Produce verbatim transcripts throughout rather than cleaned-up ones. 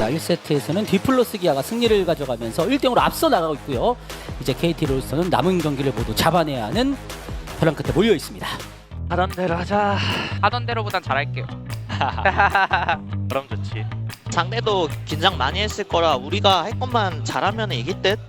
자, 일 세트에서는 디플러스 기아가 승리를 가져가면서 일 대 영으로 앞서 나가고 있고요. 이제 케이티 롤스터는 남은 경기를 모두 잡아내야 하는 벼랑 끝에 몰려 있습니다. 하던 대로 하자. 하던 대로보단 잘할게요. 그럼 좋지. 상대도 긴장 많이 했을 거라 우리가 할 것만 잘하면 이길 듯?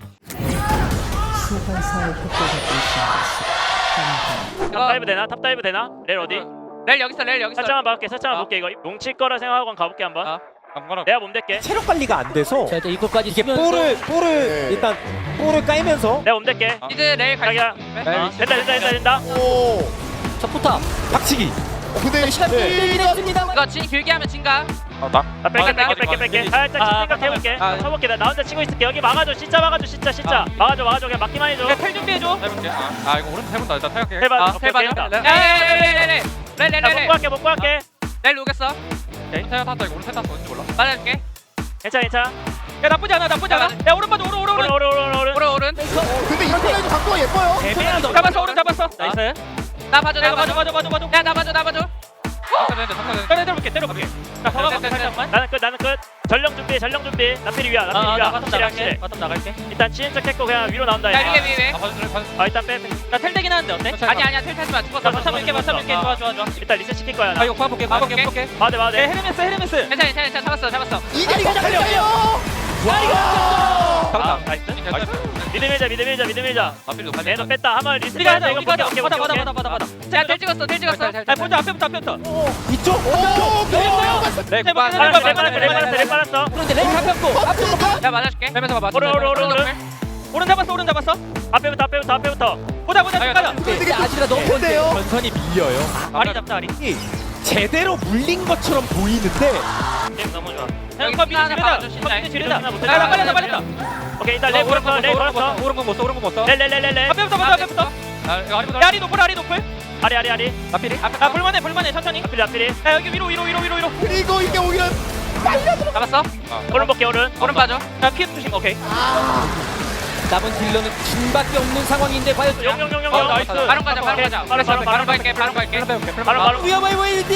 소환사의 효과가 발생했습니다. 탑다이브 되나? 탑다이브 되나? 렐 어디? 렐 여기 있어, 렐 여기 있어. 살짝만 봐볼게. 살짝만 어. 볼게. 이거 뭉칠 거라 생각하고 가볼게 한번. 어. 내가 몸 댈게. 체력 관리가 안 돼서 자, 일단 이것까지 이게 쓰면서 볼을 볼을 일단 볼을 까이면서 내가 몸 댈게. 이제 렐 갈. 자기야. 어, 된다 된다 된다 된다. 오. 첫 포탑 박치기. 어, 근데 시간 끌긴 했습니다. 이거 진 길게 하면 진가. 나 뺄게 어, 뺄게 나- 뺄게 뺄게. 살짝 아, 생각해볼게. 아, 아. 쳐볼게. 나, 나 혼자 치고 있을게. 여기 막아줘. 진짜 막아줘. 진짜 진짜. 막아줘 막아줘. 그냥 막기만 해줘. 텔 준비해줘. 해볼게. 아, 아 이거 오른쪽 해본다. 일단 생각해. 해봐. 아, 오케이 텔 오케이. 봐줘. 나 렐렐렐렐렐렐. 렐렐렐렐. 먹고 할게 먹고 할게. 렐 오겠어. 오른쪽 탔다. 이거 오른쪽 탔어. 뭔지 몰라. 맞아줄게. 괜찮아 괜찮아. 야 나쁘지 않아, 나쁘지 않아. 야 오른 봐줘, 오른 오른 오른 오른. 오른 오른 오른. 오른 오른. 근데 이번에도 각도가 예뻐요. 대배는 더 잡았어, 오른 잡았어. 나이스. 나 봐줘, 나 봐줘. 맞아 맞아 맞아. 야 나 봐줘, 나 봐줘. 탔다 되는데 탔다 되는데. 때려 때려볼게 때려볼게. 자 네, 걸어봐 네, 네, 살짝만. 나는 끝 나는 끝. 전령 준비 전령 준비. 나필이 위야 나필이 위야. 확실히 확실히. 바텀 나갈게. 일단 치는 척 했고 그냥 위로 나온다. 야 얘. 위에 위에. 아 봐줄래? 봐줄. 아 일단 빼. 나 텔되긴 하는데 어때? 아니 아니야, 텔 타지 마. 죽었어. 맞춰 볼게 맞춰 볼게. 좋아 좋아 좋아. 일단 리셋 시킬 거야. 아 나. 이거 봐볼게. 봐볼게. 봐볼게. 볼게. 맞아 맞아. 헤르메스, 헤르메스. 괜찮아, 괜찮아, 괜찮아. 잡았어, 잡았어. 이게 가져가요. 아 나이스. 믿음 밀자 믿음 밀자 믿음 밀자. 앞뒤로 얘도 뺐다. 한번 리셋. 우리가 하자, 이거 우리가 하자. 볼게, 받아, 볼게, 받아, 볼게. 받아, 받아, 받아. 야, 텔 찍었어, 텔 찍었어. 아 먼저 앞에부터 앞에부터. 이쪽. 오. 네, レ빨았어, 레 빨았어, 레 빨았어. 그런데 레이 잡혔고 야 맞아줄게. 해면서 봐. 오른 오른 오른 오른. 오른 잡았어, 오른 잡았어. 앞에부터 앞에부터 앞에부터. 보자, 보자, 아니, 가자. 근데 아지가 너무 근데요. 전선이 밀려요. 아리 잡자 아리. 제대로 물린 것처럼 보이는데 게임 너무 좋아. 여기 하나 하나 봐줘, 신나해. 지르다. 야, 나 빨렸다, 빨렸다. 오케이 일단 레 오른 거 걸었어 레 오른 거 걸었어. 오른 거 못 써. 오른 거 못 써. 레레레레레. 앞에부터 보자, 앞에부터. 아 이거 아리보다. 야, 아리 높을, 아리 높을. 아리 아리 아리. 앞뒤리. 아, 볼만해, 볼만해, 천천히. 앞필 앞필이. 야, 여기 위로, 위로, 위로, 위로, 위로. 그리고 이게 오히려 잡았어? 오른 볼게 오른. 오른 봐줘. 야, 피해 조심. 오케이. 남은 딜러는 진밖에 없는 상황인데 과연 용용용용. 어, 나이스. 바로 가자, 바로 가자. 바로 바로 바로 갈게, 바로 갈게. 바로 바로. 위험해 보이는데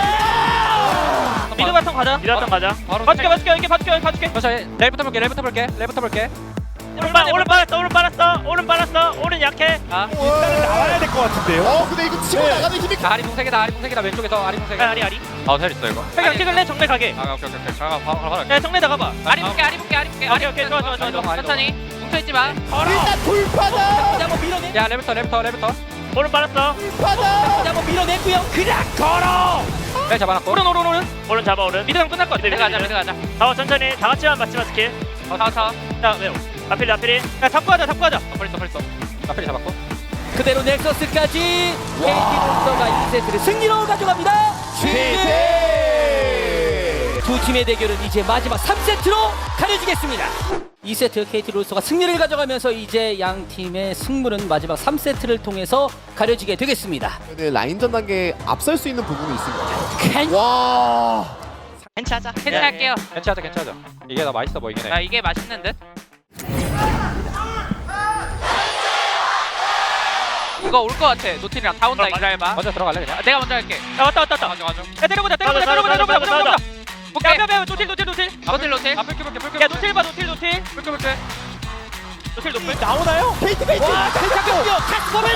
미드 바텀 가자. 미라턴 가자. 바로. 봐줄게, 봐줄게, 여기 봐줄게, 여기 봐줄게. 자, 렐부터 볼게. 렐부터 볼게. 렐부터 볼게. 오른 빠 오른 빨았어 오른 빨았어 오른 빨았어 오른 약해. 아, 일단은 나와야 될 것 같은데요. 어, 근데 이거 치고 나가는 힘이 자, 아리 동색이다. 아리 동색이다. 왼쪽에서 아리 동색. 아리 아리. 아, 텔 있어 이거. 회강 찍을래? 정면 가게. 아, 오케이 오케이 오케이. 자, 바로 바로. 야, 정면 나가봐. 아리 볼게, 아리 볼게, 아리 볼게. 오케이 오케이 좋아 좋아 좋아 좋아. 천천히. 뭉쳐있지 마. 일단 돌파다. 잡아 밀어내 야, 렐부터 렐부터 렐부터. 오른 빨았어. 돌파다. 잡아 밀어내고요. 그냥 걸어. 렐 잡아놨고. 오른, 오른, 오른. 오른 잡아 오른. 미드랑 끝날 것 같아. 미드 가자, 미드 가자. 잡아 천천히 다 같이만 맞지마 스킬. 다, 다. 자 매우. 앞필이 앞필이. 야, 잡고 하자, 잡고 하자. 아, 벌써 벌써. 앞뒤리 잡았고. 그대로 넥서스까지 케이티 롤스터가 이 세트를 승리로 가져갑니다. 최대. 두 팀의 대결은 이제 마지막 삼 세트로 가려지겠습니다. 이 세트 케이티 롤스터가 승리를 가져가면서 이제 양 팀의 승부는 마지막 삼 세트를 통해서 가려지게 되겠습니다. 네, 라인전 단계에 앞설 수 있는 부분이 있습니다. 캔- 와. 괜찮아. 괜찮을게요. 괜찮아 괜찮아. 이게 더 맛있어 보이긴 해. 야, 이게 맛있는 듯? 이거 올 것 같아. 노틸이랑 다 온다. 기다려봐. 먼저 들어갈래 그냥. 아, 내가 먼저 할게. 야 왔다 왔다 왔다. 가져 가져. 야, 때려보자, 때려보자, 때려보자, 때려보자, 때려보자. 오케이. 야, 야, 야, 노틸, 노틸, 노틸. 노틸, 노틸. 아, 뿔게 뿔게 뿔게. 야, 노틸 봐, 노틸, 노틸. 뿔게 뿔게. 노틸, 노틸. 나오나요? 페이트 페이트. 와, 탈착했고요. 캐스퍼를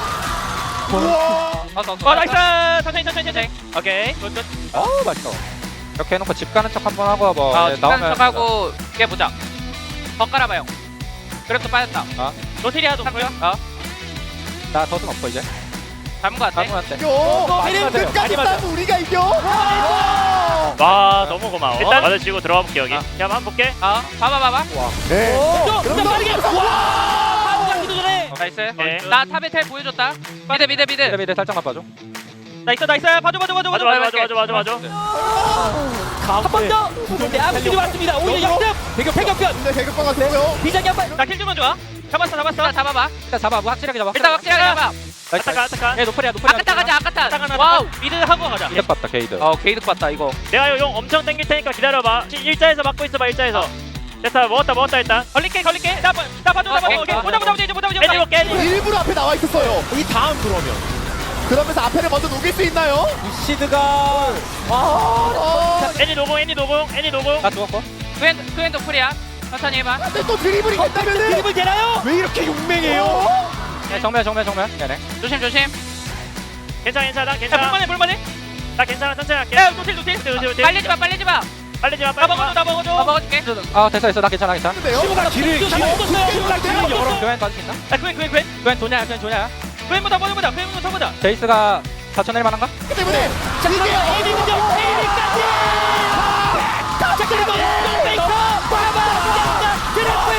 우와. 왔어 왔어. 와, 나이스. 천천히, 천천히, 천천히. 오케이. 굿, 굿. 어 맛있어. 이렇게 해놓고 집 가는 척 한번 하고 와봐. 아, 네, 중간 나오면 척하고 이게 보자. 더 깔아봐요. 그래도 빠졌다. 노틸이야 노틸. 어? 나 덫은 없어 이제. 잡은 거 같아. 아무한테. 이겨. 많이 맞아요. 끝까지 많이 맞아요. 싸면 우리가 이겨. 와. 와 너무 고마워. 일단 맞아치고 들어가 볼게 여기. 야 한번 볼게. 어, 봐봐, 봐봐. 네. 그냥 빠르게 와! 잡기도 전에 나이스. 오케이. 나 탑에 텔 보여줬다. 미드, 미드, 미드. 미드 미드 살짝만 봐줘. 나이스, 나이스. 봐줘, 봐줘, 봐줘. 맞아 맞아 맞아 맞아 맞아 맞아. 한 번 더. 근데 아무들이 왔습니다. 오히려 역습. 배격 배격변. 근데 배급방 같은데요. 비장이 한 발. 나킬 주면 좋아. 잡았어, 잡았어. 일단 잡아봐. 일단 잡아. 뭐 확실하게 잡아. 일단 확실하게 잡아. 나이스, 아타카 나이스. 아타카. 얘 노플이야 노플이야. 아까타 가자, 아까타. 아타카 와우. 미드 하고 가자. 게이드 봤다 게이드. 어, 게이드 봤다, 이거. 내가 용 엄청 당길 테니까 기다려봐. 지- 일자에서 막고 있어봐 일자에서. 됐다 먹었다 먹었다 일단. 걸릴게, 걸릴게. 나, 봐- 나 봐줘, 나 봐줘. 오케이. 오케이. 보자, 보자, 보자, 이제 보자, 보자. 애니 볼게 애니. 일부러 앞에 나와 있었어요. 이 다음 그러면 그러면서 앞에를 먼저 녹일 수 있나요? 시드가 아. 애니 노공 애니 노공 애니 노공. 나 죽었고. 그앤 그앤도 프리야. 천천히 해봐. 근데 또 드리블이 된다면은 드리블 되나요? 왜 이렇게 용맹해요? 네, 정면 정면 정면 얘네 조심 조심. 괜찮아 괜찮아 나 야 괜찮아. 볼만해 볼만해. 나 괜찮아 천천히 할게. 야 노틸 노틸. 노틸, 노틸. 빨리지 마 빨리지 마. 빨리지 마 나 빨리. 먹어줘 나 먹어줘. 나 먹어줄게. 아 됐어 됐어 나 괜찮아 괜찮아 근데요? 시부가 길을 길을 시부가 길을 열어. 교환 받을 수 있나? 야 그앤 그앤 그앤. 교환 도냐야 교환 도냐야 그앤부터 보자 보자. 그앤부터 보자. 제이스가 사천 낼 만한가? 그 때문에 이게 에이비군요. 에이비까지. 자 그리고 페이커 빠바 트래플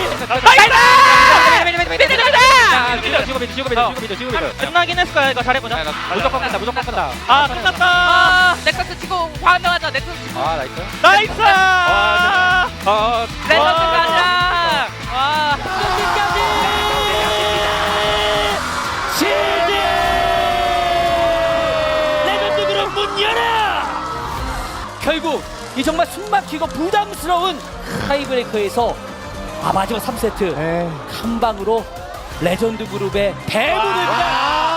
킬. 지고 미드 지고 미드 지고 미드 지고 미드 끝나긴 했을 거야. 이거 잘해보자. 무조건 간다 무조건 간다 아 끝났다. 아 넥서스 치고 환호하자. 넥서스 치고. 아 나이스 나이스. 어 레전드 가자. 와. 끝까지. 시즌 레전드 그룹 문 열어. 결국 이 정말 숨막히고 부담스러운 타이브레이커에서 아 마지막 삼 세트 에 한 방으로 레전드 그룹의 대문을